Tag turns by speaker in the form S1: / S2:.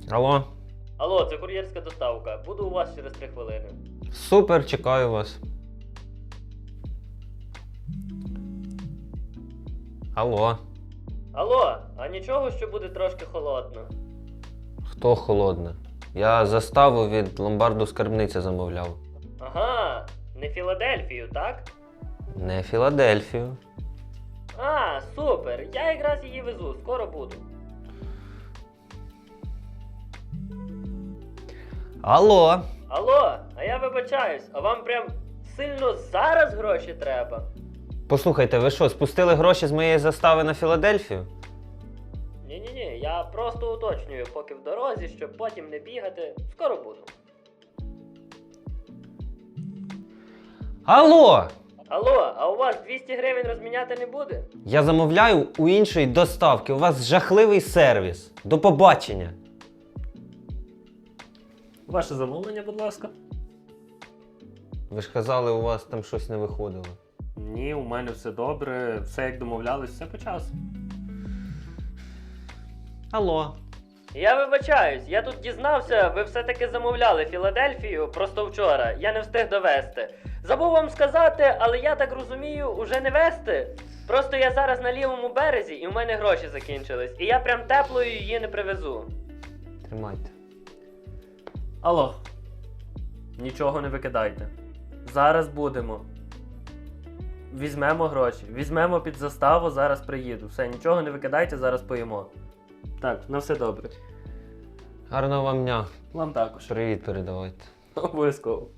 S1: Алло.
S2: Алло, це кур'єрська доставка. Буду у вас через 3 хвилини.
S1: Супер, чекаю вас. Алло.
S2: Алло, а нічого, що буде трошки холодно?
S1: Хто холодне? Я заставу від ломбарду скарбниця замовляв.
S2: Ага, не Філадельфію, так?
S1: Не Філадельфію.
S2: А, супер, я якраз її везу, скоро буду.
S1: Алло.
S2: Алло, а я вибачаюсь, а вам прям сильно зараз гроші треба?
S1: Послухайте, ви що, спустили гроші з моєї застави на Філадельфію?
S2: Ні-ні-ні, я просто уточнюю, поки в дорозі, щоб потім не бігати. Скоро буду.
S1: Алло!
S2: Алло, а у вас 200 гривень розміняти не буде?
S1: Я замовляю у іншої доставки. У вас жахливий сервіс. До побачення.
S3: Ваше замовлення, будь ласка.
S1: Ви ж казали, у вас там щось не виходило.
S3: Ні, у мене все добре, все як домовлялись, все по часу.
S1: Алло.
S2: Я вибачаюсь, я тут дізнався, ви все-таки замовляли Філадельфію просто вчора. Я не встиг довести. Забув вам сказати, але я так розумію, уже не вести. Просто я зараз на лівому березі і в мене гроші закінчились. І я прям теплою її не привезу.
S1: Тримайте.
S3: Алло. Нічого не викидайте. Зараз будемо. Візьмемо гроші. Візьмемо під заставу, зараз приїду. Все, нічого не викидайте, зараз поїмо. Так, на все добре.
S1: Гарного вам дня.
S3: Вам також.
S1: Привіт передавайте.
S3: Обов'язково.